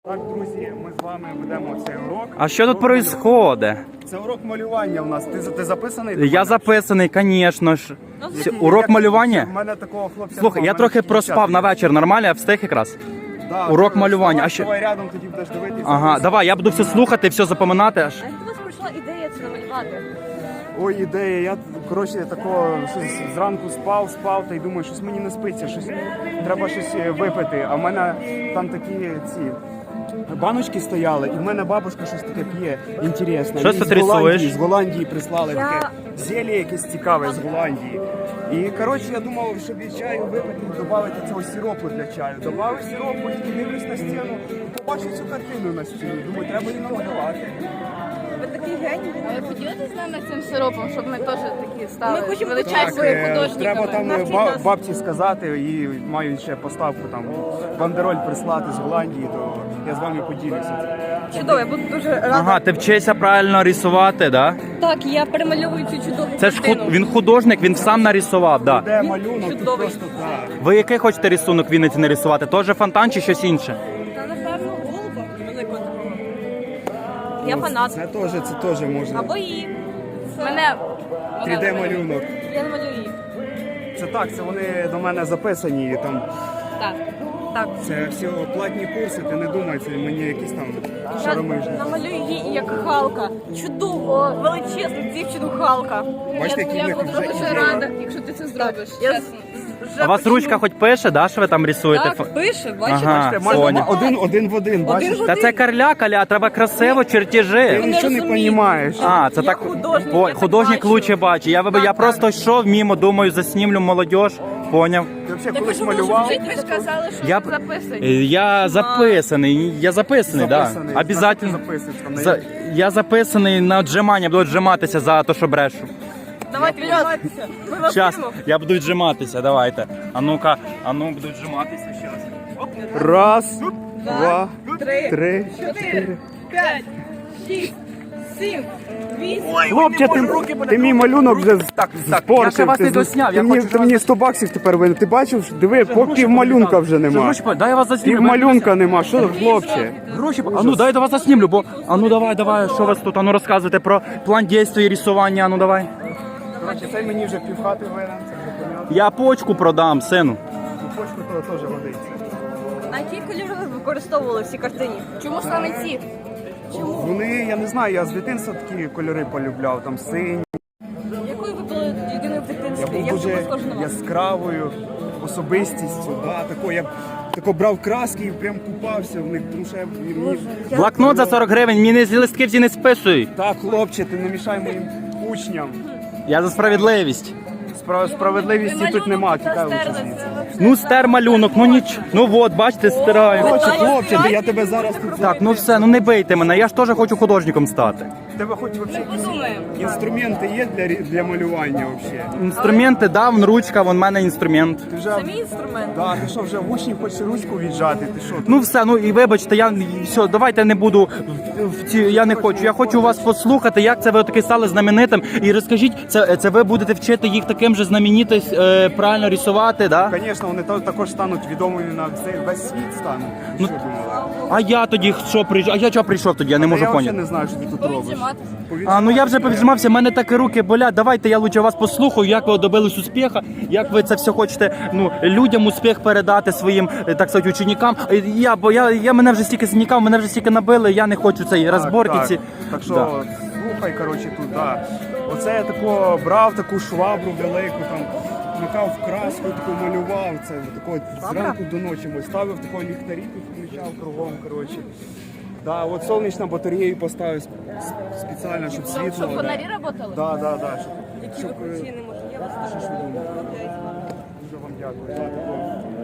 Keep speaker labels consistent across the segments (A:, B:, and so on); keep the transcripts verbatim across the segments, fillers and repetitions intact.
A: Так, друзі, ми з вами ведемо цей урок.
B: А що тут відбувається?
A: Це урок малювання у нас. Ти, ти записаний?
B: Я записаний, звісно ж. Це
A: Який-
B: урок
A: як-
B: малювання?
A: У мене такого хлопця.
B: Слухай,
A: нема,
B: я
A: в мене
B: трохи
A: тільки
B: проспав
A: дівчата.
B: на вечір, нормально, я встиг якраз.
A: Да,
B: урок
A: ти
B: малювання. А
A: вставай,
B: що-
A: вставай рядом, тоді будеш дивитися.
B: Ага, давай, я буду все слухати, все запам'ятати аж.
C: А як у вас прийшла ідея це намалювати?
A: Ой, ідея, я, коротше, такого щось зранку спав, спав, та й думаю, щось мені не спиться, щось, треба щось е, випити. А в мене там такі ці баночки стояли, і в мене бабушка щось таке п'є, інтересне.
B: Що
A: Їй
B: ти
A: з Голландії,
B: рисуєш?
A: з Голландії прислали
C: Я-
A: таке зелье якесь цікаве з Голландії. І, коротше, я думав, щоб і чаю випити, додати цього сиропу для чаю. Добавив сиропу, і дивлюсь на стіну, і побачив цю картину на стіні. Думаю, треба її намалювати.
C: Ви такий геній.
D: А ви поділитесь з нами цим сиропом, щоб ми теж такі стали
C: Ми хочемо
D: величезними
A: е,
D: художниками?
A: треба там
C: Навчіть
A: ба-
C: нас.
A: бабці сказати і маю ще поставку там бандероль прислати з Голландії, то я з вами поділюся.
C: Чудово, я буду дуже рада.
B: Ага, ти вчишся правильно рисувати, да?
C: Так, я перемальовую цю чудову
B: Це ж
C: картину.
B: худ... він художник, він сам нарисував, да.
A: Де малюнок, тут
C: чудовий.
A: просто так.
B: Ви який хочете рисунок в Вінниці нарисувати? Тоже фонтан чи щось інше?
C: Та, напевно, голуба великого такого. Я фанат.
A: Це теж, це теж можна.
C: Або її.
D: Мене
A: три де малюнок.
C: Я не малюю її.
A: Це так, це вони до мене записані. і Там
C: Так. Так.
A: це всі платні курси, ти не думай, це мені якісь там
C: Я
A: шаромижні.
C: намалюю її як Халка. Чудово, величезну дівчину Халка.
A: Бачите, які в
D: я
A: них
D: буду
A: вже
D: дуже
A: ідеї.
D: рада, якщо ти це зробиш.
C: Я
D: Чесно.
C: вже
B: А у вас
C: почну.
B: ручка хоч пише, да, що ви там рисуєте?
C: Так, пише, бачите?
B: Ага.
A: Бачите, майже
B: Соня.
A: один, один в один, бачиш?
B: Та це карля-каля, треба красиво,
A: Ти
B: чертежі.
A: нічого не
C: розумію.
A: розумієш.
B: А, це
C: Я
B: так.
C: художник,
B: Ой,
C: я так
B: художник
C: бачу.
B: лучше бачить. Я, виб- я
C: Так,
B: просто йшов мимо, думаю, заснімлю молодіж. Поняв.
A: Ти взагалі
C: Так,
A: колись
C: а що ви
A: малював?
C: робите?
D: Ви ж казали, що
B: Я
D: ви
B: б-
D: записані.
B: Е, Я записаний, я записаний, так.
A: Записаний.
B: Да. Обязательно.
A: Записуєш там на
B: За, я записаний на отжимання, буду віджиматися за те, що брешу.
C: Давайте віджиматися. Ми вас
B: Щас,
C: любимо.
B: я буду віджиматися, давайте. А ну-ка, а ну буду віджиматися щас.
A: Раз, два,
C: Три,
A: три.
C: чотири, п'ять, шість, сім, вісім.
A: Хлопче, ти, ти мій малюнок вже
B: Так, так,
A: спортив.
B: я ще вас
A: Ти
B: не
A: з-
B: досняв,
A: Ти
B: я
A: мені,
B: хочу,
A: ти
B: щоб
A: мені
B: вас-
A: сто баксів тепер винен. Ти бачив, диви, по пів малюнка вже нема.
B: Гроші, дай я вас заснімлю.
A: Пів малюнка нема, що ти, хлопче?
B: Гроші, а ну дай я вас заснімлю, бо, а ну давай, давай, що у вас тут, а ну розказуйте про план дій і рисування, а ну давай.
A: Коротше, цей мені вже півхати винен, це вже понятно.
B: Я почку продам, сину.
A: Ну, почку то теж годиться.
C: А які кольори ви використовували в цій картині?
D: Чому саме ці?
A: Вони, я не знаю, я з дитинства такі кольори полюбляв, там сині.
C: Якою ви були єдиною в
A: Я
C: дитинстві?
A: був
C: Як
A: дуже
C: ви схожі на вас?
A: яскравою особистістю, да, тако, я тако брав краски і прям купався в них, тому що я, мені...
B: Блокнот за сорок гривень, мені з листки всі не списуй.
A: Так, хлопче, ти не мішай моїм учням.
B: Я за справедливість.
A: Справ- Справедливості тут нема, тікай лучше звідси.
B: Ну, стер малюнок, ну ніч. Ну от, бачите, стираю.
A: Коротше, хлопче, ти- я тебе зараз тут...
B: Так, ну все, ну не бийте мене, я ж теж хочу художником стати.
A: В тебе хоч вообще
C: Подумаємо.
A: інструменти є для, рі- для малювання вообще?
B: Інструменти дав, вон ручка, вон в мене інструмент.
A: Ти вже...
C: Це мій інструмент.
A: Да, ти що, вже в учнів хочеш ручку віджати, ти що?
B: Ну все, ну і вибачте, я все, давайте не буду в, в ці. Я не хочу. Я хочу вас послухати, як це ви таки стали знаменитим. І розкажіть, це, це ви будете вчити їх таким же знаменитим, е, правильно рисувати, да?
A: Звісно, вони та- також стануть відомими на цей весь світ стануть. Ти що думала?
B: А я тоді що прийшов? А я чого прийшов тоді? Я не можу
A: Я взагалі
B: поняти.
A: не знаю, що ти тут робиш.
B: А ну я вже повіжмався, в мене так і руки болять. Давайте я лучше вас послухаю, як ви добились успіху, як ви це все хочете ну, людям успіх передати своїм, е, так сказати, ученикам. Е, Я, бо я, я мене вже стільки зникав, мене вже стільки набили, я не хочу цієї розборки.
A: Так,
B: ці.
A: так. так що
B: Да.
A: слухай, коротше, тут, да. Оце я тако брав таку швабру велику, там макав в краску, таку малював. Це тако зранку до ночі ми ставив тако ліхтарі, тут включав кругом, коротше. Да, от сонячну батарею поставив сп- спеціально, щоб світло.
D: Щоб
A: да.
D: фонарі працювали?
A: Да, да, да, щоб,
C: Які
A: щоб,
C: ви
A: е,
C: круті, не можу. Я вас
A: що ж ви думаєте?
C: Окей.
A: Дуже вам дякую. Да, тако.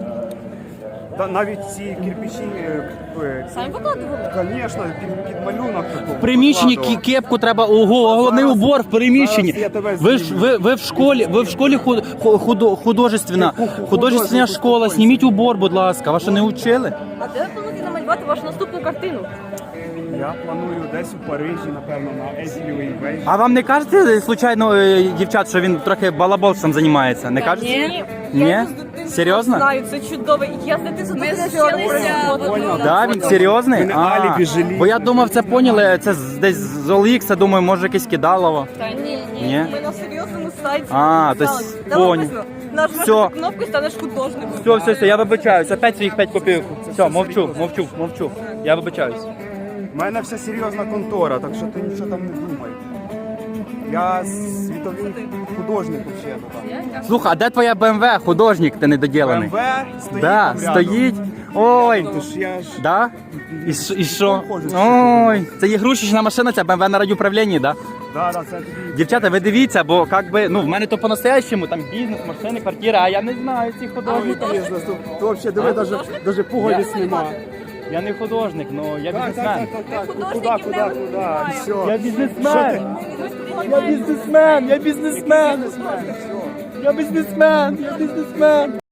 A: Да, навіть ці кирпичі, е, е,
C: Самі викладували?
A: звісно, під, під малюнок такого.
B: В приміщенні кі-
A: покладував.
B: кепку треба, ого, головний
A: Зараз-
B: убор в приміщенні.
A: зараз я тебе
B: Ви ж
A: зніму.
B: ви, ви в школі, ви в школі худ, ху- худо, художественна,
A: Яку ху-
B: художественна
A: художню
B: школа.
A: успокойся.
B: Зніміть убор, будь ласка. Вас що не вчили?
C: А де ви плануєте намалювати вашу наступну картину?
A: Я планую десь у Парижі, напевно, на Езілівій вежі.
B: А вам не кажете, случайно, е, дівчат, що він трохи балаболством займається? Не кажете?
C: Ні.
B: Ні?
C: Я йду з дитинства
B: Серйозно?
C: Знаю, це чудово. Я з дитинства
D: Ми
C: тут
D: вчилися
C: всього
D: в одному.
B: Да, він серйозний?
A: Мене
B: А,
A: алібі жаліють.
B: бо я думав, це поняли, це з- десь з Олікса, думаю, може якесь кидалово.
C: Та ні, ні,
B: Ні?
C: ми на серйозному сайті.
B: А, то
C: написали.
B: есть
C: Там
B: понял.
C: написано, нажмеш
B: Всё.
C: на кнопку і станеш художником.
B: Все, все, все, я вибачаюсь. Опять своїх п'ять копійок. Все, мовчу, мовчу, мовчу. Я вибачаюсь.
A: У мене вся серйозна контора, так що ти нічого там не думай. Я світовий художник взагалі.
B: Слухай, а де твоя БМВ, художник, ти недоділений?
A: БМВ стоїть
B: Да,
A: там рядом.
B: стоїть. Ой,
A: Тож я ж...
B: да? І, ш- і що?
A: Похоже, що
B: Ой, це ігрушечна машина, це БМВ на радіуправлінні, да?
A: Да, да, це тобі...
B: Дівчата, ви дивіться, бо как би, ну, в мене то по-настоящему, там бізнес, машини, квартира, а я не знаю цих художників.
A: Бізнес, то, то взагалі, диви, даже, даже пуговиць нема.
B: Я не художник, ну я
A: Так,
B: бізнесмен.
A: так, так, так, куди,
C: художників
A: куди,
C: не
A: куди,
C: впливаємо.
A: все.
B: Я бізнесмен. Я бізнесмен, я бізнесмен. Я бізнесмен, я бізнесмен.